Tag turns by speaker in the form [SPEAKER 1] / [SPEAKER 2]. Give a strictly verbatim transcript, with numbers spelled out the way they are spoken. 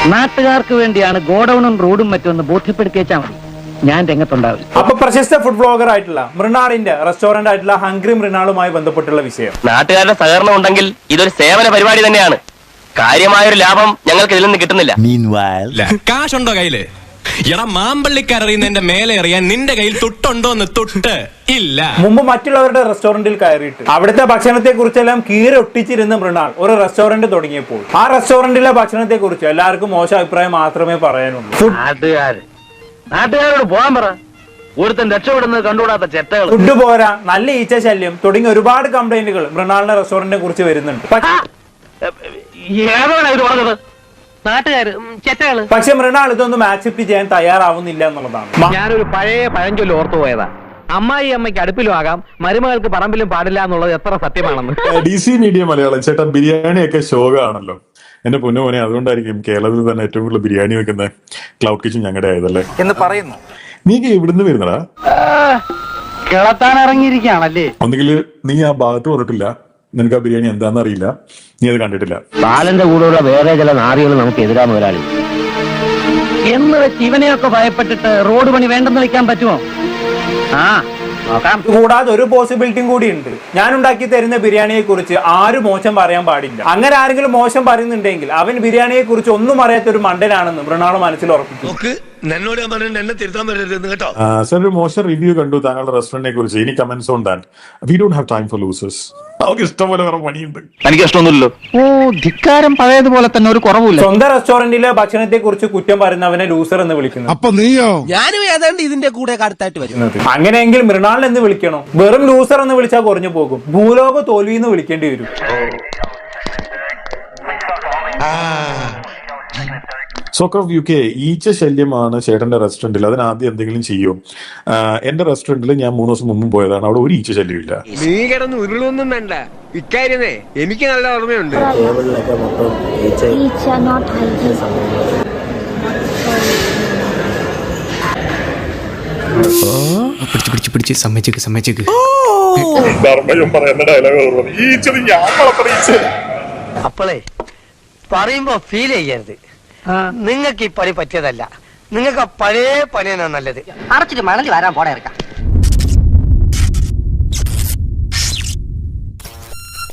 [SPEAKER 1] നാട്ടുകാർക്ക് വേണ്ടിയാണ് ഗോഡൌണും റോഡും മറ്റൊന്ന് ബോധ്യപ്പെടുത്തിയേച്ചാൽ മതി, ഞാൻ രംഗത്തുണ്ടാവില്ല.
[SPEAKER 2] അപ്പൊ പ്രശസ്ത ഫുഡ് ബ്ലോഗർ ആയിട്ടുള്ള മൃണാളിന്റെ റെസ്റ്റോറന്റ് ആയിട്ടുള്ള ഹംഗ്രി മൃണാളുമായി ബന്ധപ്പെട്ടുള്ള വിഷയം.
[SPEAKER 3] നാട്ടുകാരുടെ സഹകരണം ഉണ്ടെങ്കിൽ ഇതൊരു സേവന പരിപാടി തന്നെയാണ്. കാര്യമായൊരു ലാഭം ഞങ്ങൾക്ക് ഇതിൽ നിന്ന് കിട്ടുന്നില്ല.
[SPEAKER 4] കാശുണ്ടോ കയ്യില്? എടാ മാമ്പള്ളിക്കറിയുന്നതിന്റെ മേലെ എറിയാൻ നിന്റെ കയ്യിൽ തൊട്ടുണ്ടോന്ന്? തൊട്ട് ഇല്ല.
[SPEAKER 2] മുമ്പ് മറ്റുള്ളവരുടെ റെസ്റ്റോറന്റിൽ കയറിയിട്ട് അവിടുത്തെ ഭക്ഷണത്തെ കുറിച്ചെല്ലാം കീറൊട്ടിച്ചിരുന്ന മൃണാൾ ഒരു റെസ്റ്റോറന്റ് തുടങ്ങിയപ്പോൾ ആ റെസ്റ്റോറന്റിലെ ഭക്ഷണത്തെ കുറിച്ച് എല്ലാവർക്കും മോശം അഭിപ്രായം മാത്രമേ പറയാനുള്ളൂ.
[SPEAKER 1] നാട്ടുകാര് നാട്ടുകാരോട് പോകാൻ പറ, ഒരുത്തൻ രക്ഷപ്പെടുന്നത് കണ്ടുകൂടാത്ത ചെറ്റകൾ.
[SPEAKER 2] ഫുഡ് പോരാ, നല്ല ഈച്ച ശല്യം തുടങ്ങിയ ഒരുപാട് കംപ്ലൈന്റുകൾ മൃണാളിന്റെ റെസ്റ്റോറന്റിനെ കുറിച്ച് വരുന്നുണ്ട്.
[SPEAKER 1] ഏതാണ് ഇത് പറഞ്ഞത്? നാട്ടുകാര് ചെറ്റകള്.
[SPEAKER 2] പക്ഷെ മൃണാൾ ഇതൊന്നും ആക്സെപ്റ്റ് ചെയ്യാൻ തയ്യാറാവുന്നില്ല എന്നുള്ളതാണ്.
[SPEAKER 1] ഞാനൊരു പഴയ പഴഞ്ചൊല്ല് ഓർത്തു പോയതാ, അമ്മായി അമ്മയ്ക്ക് അടുപ്പിലും ആകാം മരുമകൾക്ക് പറമ്പിലും പാടില്ല എന്നുള്ളത് എത്ര സത്യമാണെന്ന്.
[SPEAKER 5] ഡി സി മീഡിയ മലയാളം ചേട്ടാ, ബിരിയാണി ഒക്കെ ശോകമാണല്ലോ എന്റെ പൊന്നു മോനെ. അതുകൊണ്ടായിരിക്കും കേരളത്തിൽ തന്നെ ഏറ്റവും കൂടുതൽ ബിരിയാണി വെക്കുന്ന ക്ലൗഡ് കിച്ചൺ ഞങ്ങളുടെ ആയതല്ലേ എന്ന് പറയുന്നു. നീ ഇവിടുന്ന് വരുന്നടാ?
[SPEAKER 1] കിളത്താൻ ഇറങ്ങിയിരിക്കുകയാണല്ലേ.
[SPEAKER 5] ഒന്നുകിൽ നീ ആ ഭാഗത്ത് വന്നിട്ടില്ല, നിനക്ക് ആ ബിരിയാണി എന്താണെന്ന് അറിയില്ല, നീ അത് കണ്ടിട്ടില്ല.
[SPEAKER 1] ബാലന്റെ കൂടെയുള്ള വേറെ ചില നാറികൾ നമുക്ക് എതിരാ മുതലാളി എന്ന് വെച്ച് ഇവനെയൊക്കെ ഭയപ്പെട്ടിട്ട് റോഡ് പണി വേണ്ടെന്ന് വെക്കാൻ പറ്റുമോ? ആ നോക്കാം.
[SPEAKER 2] കൂടാതെ ഒരു പോസിബിലിറ്റിയും കൂടി ഉണ്ട്. ഞാൻ ഉണ്ടാക്കി തരുന്ന ബിരിയാണിയെ കുറിച്ച് ആരും മോശം പറയാൻ പാടില്ല. അങ്ങനെ ആരെങ്കിലും മോശം പറയുന്നുണ്ടെങ്കിൽ അവൻ ബിരിയാണിയെ കുറിച്ച് ഒന്നും അറിയാത്ത ഒരു മണ്ടനാണെന്ന് മൃണാൾ മനസ്സിൽ ഉറപ്പിച്ചു.
[SPEAKER 5] സാർ, ഒരു മോശം റിവ്യൂ കണ്ടു താങ്കളുടെ റെസ്റ്റോറന്റിനെ കുറിച്ച്. ഇനി comments on that. We don't have time for losers. അവർക്ക് ഇഷ്ടംപോലെ വേറെ പണിയുണ്ട്.
[SPEAKER 3] എനിക്ക് ഇഷ്ടമൊന്നുമില്ലല്ലോ.
[SPEAKER 1] ഓ, ധിക്കാരം പഴയതുപോലെ തന്നെ ഒരു കുറവില്ല.
[SPEAKER 2] സ്വന്തം റെസ്റ്റോറന്റിലെ ഭക്ഷണത്തെ കുറിച്ച് കുറ്റം പറയുന്നവനെ ലൂസർ എന്ന് വിളിക്കുന്നു.
[SPEAKER 6] അപ്പൊ നീയോ?
[SPEAKER 7] ഞാനും ഏതാണ്ട് ഇതിന്റെ കൂടെ അടുത്തായിട്ട് വരുന്നത്.
[SPEAKER 2] അങ്ങനെയെങ്കിൽ മൃണാൾ എന്ന് വിളിക്കണോ? വെറും ലൂസർ എന്ന് വിളിച്ചാൽ കുറഞ്ഞു പോകും. ഭൂലോക തോൽവി എന്ന് വിളിക്കേണ്ടി വരും.
[SPEAKER 5] സോക്കർ ഓഫ് യു കെ, ഈച്ച ശല്യമാണ് ചേട്ടന്റെ റെസ്റ്റോറന്റിൽ. അതിനാദ്യം എന്തെങ്കിലും ചെയ്യും. എന്റെ റെസ്റ്റോറന്റിൽ ഞാൻ മൂന്ന് ദിവസം മുമ്പ് പോയതാണ്, അവിടെ ഒരു ഈച്ച ശല്യമില്ല.
[SPEAKER 7] നീ കിടന്ന് ഉരുളൊന്നും വേണ്ട, ഇക്കാര്യമേ എനിക്ക് നല്ല ഓർമ്മയുണ്ട്.
[SPEAKER 4] പിടിച്ച് പിടിച്ച് പിടിച്ച് സമ്മതിച്ചേക്ക് സമ്മതിച്ചേക്ക്.
[SPEAKER 8] അപ്പോളേ പറയുമ്പോ ഫീൽ ചെയ്യരുത്. നിങ്ങൾക്ക് ഈ പണി പറ്റിയതല്ല, നിങ്ങൾക്ക് ആ പഴയ പണിയാണ് നല്ലത്.
[SPEAKER 9] അടച്ചിട്ട് മണലി വരാൻ പോടെ ഇറക്കാം.